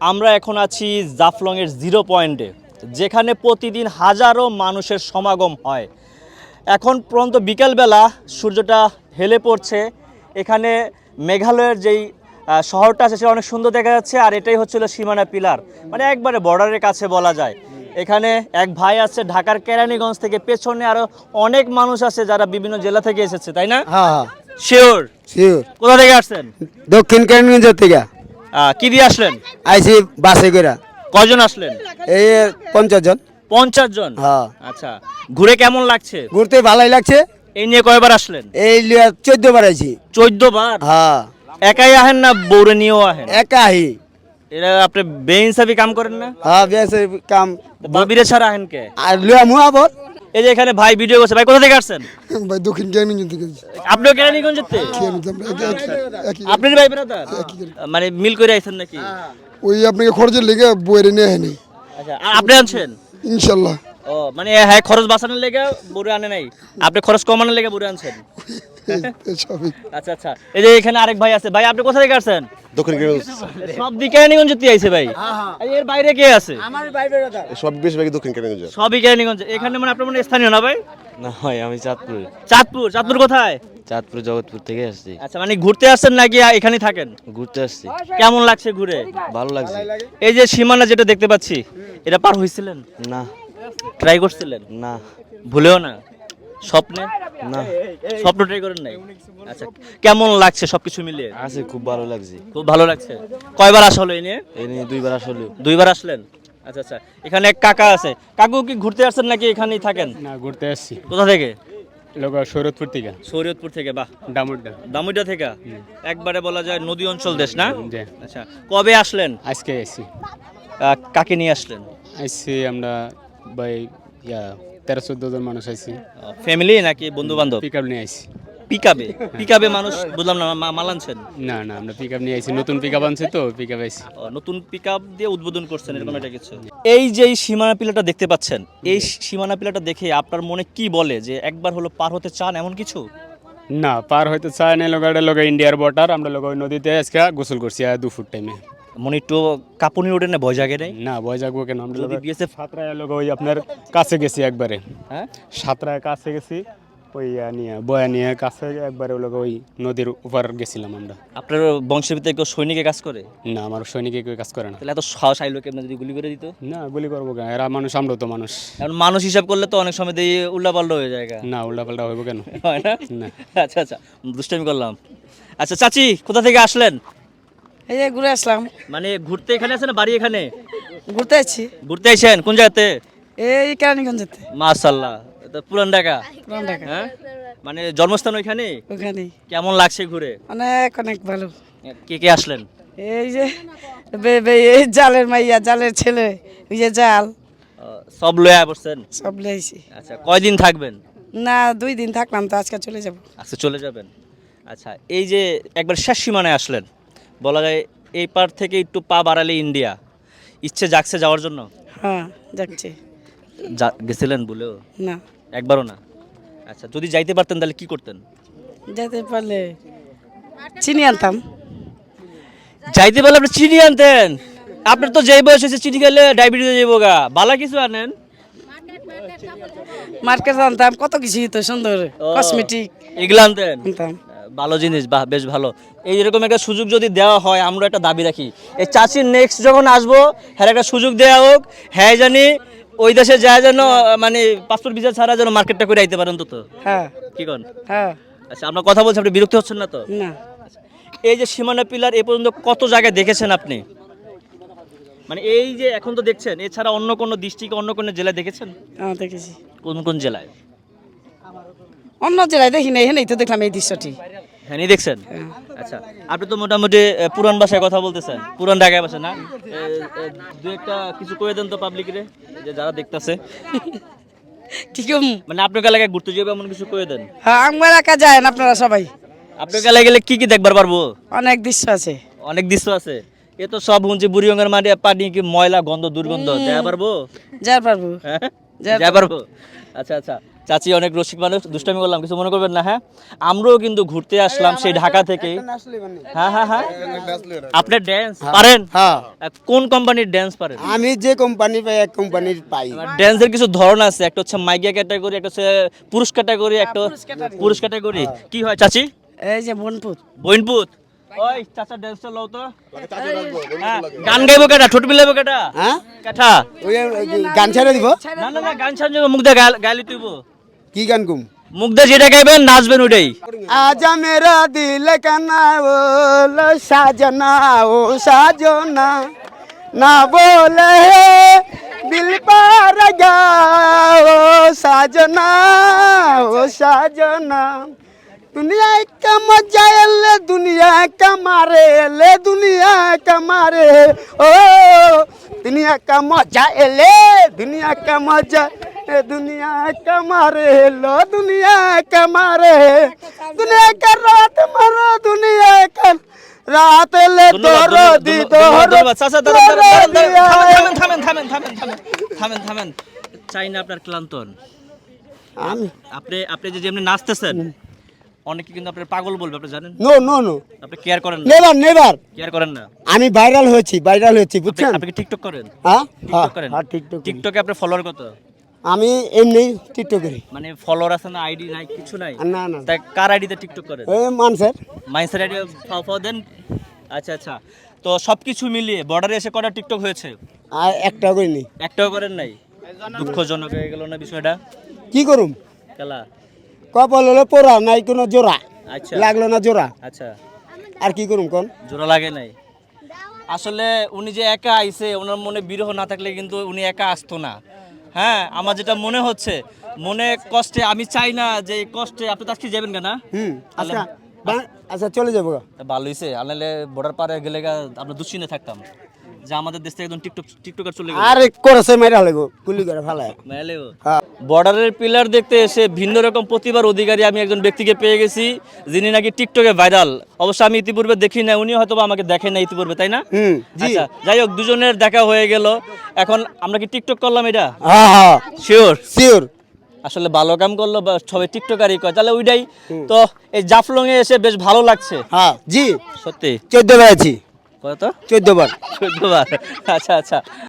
আমরা এখন আছি জাফলংয়ের জিরো পয়েন্টে, যেখানে প্রতিদিন হাজারো মানুষের সমাগম হয়। এখন পর্যন্ত বিকেলবেলা সূর্যটা হেলে পড়ছে। এখানে মেঘালয়ের যেই শহরটা আছে সেটা অনেক সুন্দর দেখা যাচ্ছে। আর এটাই হচ্ছিল সীমানা পিলার, মানে একবারে বর্ডারের কাছে বলা যায়। এখানে এক ভাই আছে ঢাকার কেরানীগঞ্জ থেকে, পেছনে আরো অনেক মানুষ আছে যারা বিভিন্ন জেলা থেকে এসেছে, তাই না? হ্যাঁ শিওর? শিওর। কোথা থেকে আসছেন? দক্ষিণ কেরানীগঞ্জ থেকে কি দিয়ে আসলেন? আইসি বাসে করে। কয়জন আসলেন? এই 50 জন। 50 জন? হ্যাঁ। আচ্ছা, ঘুরে কেমন লাগছে? ঘুরতে ভালোই লাগছে। এই নিয়ে কয়বার আসলেন? এই 14 বার আইছি। 14 বার? হ্যাঁ। একাই আহেন না বউরে নিয়েও আহেন? একাই। এরা আপনি বেইনসাফি কাম করেন না? হ্যাঁ বেশ কাম। ববিরে ছাড়া আহেন কে? আর লিয়া মুয়া বল। এই যে এখানে ভাই ভিডিও করছে। ভাই কোথা থেকে আসছেন? ভাই দক্ষিণ কেরানীগঞ্জ থেকে। আপনিও কেরানীগঞ্জ থেকে? আপনার ভাই ব্রাদার? মানে মিল করে আইছেন নাকি? ওই আপনাকে খরচের লেগে বইয়ের নিয়ে আনি আচ্ছা, আর আপনি আনছেন? ইনশাল্লাহ। ও মানে হ্যাঁ, খরচ বাঁচানোর লেগে বুড়ে আনে নাই, আপনি খরচ কমানোর লেগে বুড়ে আনছেন। সবই। আচ্ছা আচ্ছা, এই যে এখানে আরেক ভাই আছে। ভাই আপনি কোথা থেকে আসছেন? দক্ষিণ কেরানীগঞ্জ। সব দিকে কেরানীগঞ্জ থেকে আইছে ভাই। এর বাইরে কে আছে? সব বেশিরভাগই দক্ষিণ কেরানীগঞ্জ। সবই কেরানীগঞ্জ। এখানে মানে আপনার মানে স্থানীয় না ভাই? না ভাই, আমি চাঁদপুর। চাঁদপুর? চাঁদপুর কোথায়? চাঁদপুর জগৎপুর থেকে আসছি। আচ্ছা, মানে ঘুরতে আসছেন নাকি এখানেই থাকেন? ঘুরতে আসছি। কেমন লাগছে ঘুরে? ভালো লাগছে। এই যে সীমানা যেটা দেখতে পাচ্ছি, এটা পার হয়েছিলেন? না ট্রাই করছিলেন? না ভুলেও না? স্বপ্নে? না, স্বপ্ন ট্রাই করেন নাই? আচ্ছা, কেমন লাগছে সবকিছু মিলিয়ে? আছে, খুব ভালো লাগছে। খুব ভালো লাগছে। কয়বার আসা হলো এই নিয়ে? এই নিয়ে 2 বার আসলে। 2 বার আসলেন? আচ্ছা আচ্ছা, এখানে এক কাকা আছে। কাকু কি ঘুরতে আসছেন নাকি এখানেই থাকেন? না, ঘুরতে আসছি। কোথা থেকে? লোক শরৎপুর থেকে। শরীয়তপুর থেকে? বাহ, ডামুড্ডা। দামুইটা থেকে। একবারে বলা যায় নদী অঞ্চল দেশ না? জি। আচ্ছা, কবে আসলেন? আজকে আসছি। কাকে নিয়ে আসলেন? আসছি আমরা ভাই 13-14 জন মানুষ আছি। ফ্যামিলি নাকি বন্ধু বান্ধব? পিক আপ নিয়ে আসছি। পিকাবে? পিকাবে মানুষ বুঝলাম না, মাল আনছেন? না না, আমরা পিক আপ নিয়ে আসছি, নতুন পিক আপ আনছি তো, পিক আপ আসছি। নতুন পিকআপ দিয়ে উদ্বোধন করছেন এরকম একটা কিছু? এই যে এই সীমানা পিলাটা দেখতে পাচ্ছেন, এই সীমানা পিলাটা দেখে আপনার মনে কি বলে যে একবার হলো পার হতে চান এমন কিছু? না, পার হইতে চায় না। লোক ইন্ডিয়ার বর্ডার, আমরা লোক ওই নদীতে আজকে গোসল করছি 2 ফুট টাইমে। মনে একটু কাঁপুনি ওঠে না? ভয় জাগে নাই? না, ভয় জাগবো কেন? আমরা যদি বিএসএফ? সাতরায় লোক ওই আপনার কাছে গেছি একবারে। হ্যাঁ, সাতরায় কাছে গেছি, ওই নিয়ে বয়া নিয়ে কাছে একবারে লোক ওই নদীর উপর গেছিলাম আমরা। আপনার বংশের ভিতরে কেউ সৈনিকে কাজ করে? না, আমার সৈনিকে কেউ কাজ করে না। তাহলে এত সাহস আইলো কেমন যদি গুলি করে দিত? না, গুলি করবো কেন? এরা মানুষ, আমরাও তো মানুষ। এখন মানুষ হিসাব করলে তো অনেক সময় দিয়ে উল্টাপাল্টা হয়ে যায়। না, উল্টাপাল্টা হইব কেন? হয় না? না। আচ্ছা আচ্ছা, দুষ্টামি করলাম। আচ্ছা চাচি, কোথা থেকে আসলেন? এই যে ঘুরে আসলাম। মানে ঘুরতে এখানে আছেন না বাড়ি এখানে? ঘুরতে আসছি ঘুরতে আইছেন কোন জায়গাতে? এই কেরানীগঞ্জেতে। মাশাআল্লাহ, এটা পুরান ঢাকা? পুরান ঢাকা। হ্যাঁ, মানে জন্মস্থান ওইখানে? ওখানেই। কেমন লাগছে ঘুরে? অনেক অনেক ভালো। কে কে আসলেন? এই যে এই জালের মাইয়া, জালের ছেলে, ওই যে জাল, সব লয়ে বসছেন? সব লেছি। আচ্ছা, কয়দিন থাকবেন? না, 2 দিন থাকলাম তো, আজকে চলে যাব। আচ্ছা, চলে যাবেন। আচ্ছা, এই যে একবার শেষ সীমানায় আসলেন, বলা যায় এই পার থেকে একটু পা বাড়ালে ইন্ডিয়া, ইচ্ছে জাগছে যাওয়ার জন্য? হ্যাঁ, যাচ্ছি। গেছিলেন বলেও? না, একবারও না? আচ্ছা, যদি যাইতে পারতেন তাহলে কি করতেন? যেতে পারলে চিনি আনতাম। যাইতে পারলে আপনি চিনি আনতেন? আপনার তো যেই বয়স হয়েছে চিনি খেলে ডায়াবেটিস হয়ে যাবো গা, বালা কিছু আনেন। মার্কেট আনতাম, কত কিছু তো সুন্দর কসমেটিক এগুলো আনতেন? আনতাম। ভালো জিনিস, বাহ, বেশ ভালো। এইরকম একটা সুযোগ যদি দেওয়া হয়, আমরা একটা দাবি রাখি, এই চাচির নেক্সট যখন আসবো হ্যাঁ একটা সুযোগ দেওয়া হোক, হ্যাঁ জানি ওই দেশে যায় যেন মানে পাসপোর্ট ভিসা ছাড়া যেন মার্কেটটা করে আইতে পারেন। তো হ্যাঁ কি কন? হ্যাঁ। আচ্ছা, আমরা কথা বলছি, আপনি বিরক্ত হচ্ছেন না তো? না। এই যে সীমানা পিলার এ পর্যন্ত কত জায়গায় দেখেছেন আপনি? মানে এই যে এখন তো দেখছেন, এছাড়া অন্য কোনো ডিস্ট্রিক্ট, অন্য কোনো জেলায় দেখেছেন? হ্যাঁ, দেখেছি। কোন কোন জেলায়? অন্য জেলায় দেখি না, এখানেই তো দেখলাম এই দৃশ্যটি। হ্যাঁ, নি দেখছেন? আচ্ছা, আপনি তো মোটামুটি পুরান ভাষায় কথা বলতেছেন, পুরান ঢাকায় ভাষা না? দু একটা কিছু কয়ে দেন তো পাবলিকরে, যে যারা দেখতেছে। ঠিক। মানে আপনার এলাকায় ঘুরতে যাবে এমন কিছু কয়ে দেন। হ্যাঁ, আমার একা যায় না, আপনারা সবাই। আপনার এলাকায় গেলে কি কি দেখবার পারবো? অনেক দৃশ্য আছে। অনেক দৃশ্য আছে। এ তো সব শুনছি বুড়িগঙ্গার মাঠে পানি কি ময়লা, গন্ধ, দুর্গন্ধ, যা পারবো? যা পারবো। হ্যাঁ, যা যা পারবো। আচ্ছা আচ্ছা, চাচি অনেক রসিক মানুষ, দুষ্টামি করলাম, কিছু মনে করবেন না। হ্যাঁ, আমরাও কিন্তু ঘুরতে আসলাম সেই ঢাকা থেকে। হ্যাঁ হ্যাঁ হ্যাঁ, আপনি ড্যান্স পারেন? হ্যাঁ কোন কোম্পানির ড্যান্স পারেন? আমি যে কোম্পানি পাই এক কোম্পানির পাই। ড্যান্সের কিছু ধরন আছে, একটা হচ্ছে মাইগা ক্যাটাগরি, একটা হচ্ছে পুরুষ ক্যাটাগরি, একটা পুরুষ ক্যাটাগরি। কি হয় চাচি? এই যে বনপুত বইনপুত। ওই চাচা ড্যান্সটা লও তো। হ্যাঁ, গান গাইবো কেটা, ঠোঁট মিলাইবো কেটা? হ্যাঁ কেটা? ওই গান ছেড়ে দিব। না না না, গান ছাড়া মুখ দিয়ে গাইলি তুইব। কি গান কুম? মুখ দিয়ে যেটা গাইবেন নাচবেন ওটাই। आजा मेरा दिल कना बोलो साजना ओ साजना ना बोले दिल पर ओ साजना ओ साजना दुनिया का मजा ले दुनिया का मारे ले दुनिया का मारे ओ दुनिया का मजा ले दुनिया का मजा दुनिया का मारे लो दुनिया का मारे दुनिया का रात मारो दुनिया का रात ले दोरो दी दोरो থামেন। চাই না আপনার ক্লান্তন। আমি আপনি আপনি যে যেমনি নাচতেছেন, অনেকে কিন্তু আপনার পাগল বলবে, আপনি জানেন? নো নো নো আপনি কেয়ার করেন না, নেভার নেভার কেয়ার করেন না। আমি ভাইরাল হয়েছি বুঝছেন? আপনি কি টিকটক করেন? হ্যাঁ টিকটক করেন? হ্যাঁ টিকটক টিকটকে আপনার ফলোয়ার কত? আমি এমনি টিকটক করি মানে ফলোয়ার আছে না, আইডি নাই, কিছু নাই? না না তাই কার আইডিতে টিকটক করেন? এই মানুষের মাইন্সের আইডি ফাও দেন। আচ্ছা আচ্ছা, তো সবকিছু মিলিয়ে বর্ডারে এসে কটা টিকটক হয়েছে? আর একটা করিনি। একটাও করেন নাই? দুঃখজনক হয়ে গেল না বিষয়টা? কি করুম? খেলা। কপাল হলো পোড়া নাই কোনো জোড়া, আচ্ছা লাগলো না জোড়া, আচ্ছা, আর কি করুম কোন? জোড়া লাগে নাই। আসলে উনি যে একা আইছে, ওনার মনে বিরহ না থাকলে কিন্তু উনি একা আসতো না। হ্যাঁ, আমার যেটা মনে হচ্ছে, মনে কষ্টে, আমি চাই না যে এই কষ্টে আপনি তো আজকে যাবেন কেনা? আচ্ছা আচ্ছা চলে যাবো গা। ভালো হয়েছে, আনলে বর্ডার পারে গেলে আমরা দুশ্চিন্তে থাকতাম যে আমাদের দেশ থেকে একদম টিকটকার চলে গেল। আরে করেছে মাইরা লাগো গুলি করে ফালায়। বর্ডারের পিলার দেখতে এসে ভিন্ন রকম প্রতিভার অধিকারী আমি একজন ব্যক্তিকে পেয়ে গেছি, যিনি নাকি টিকটকে ভাইরাল। অবশ্য আমি ইতিপূর্বে দেখি না, উনি হয়তো আমাকে দেখেন না ইতিপূর্বে, তাই না? জি আচ্ছা, যাই হোক, দুজনের দেখা হয়ে গেল। এখন আমরা কি টিকটক করলাম এটা? হ্যাঁ হ্যাঁ শিওর শিওর। আসলে ভালো কাম করলো বা সবাই টিকটকারই কয়, তাহলে ওইটাই তো। এই জাফলং এ এসে বেশ ভালো লাগছে। হ্যাঁ জি সত্যি। 14 বার আছি। কত? 14 বার। 14 বার। আচ্ছা আচ্ছা।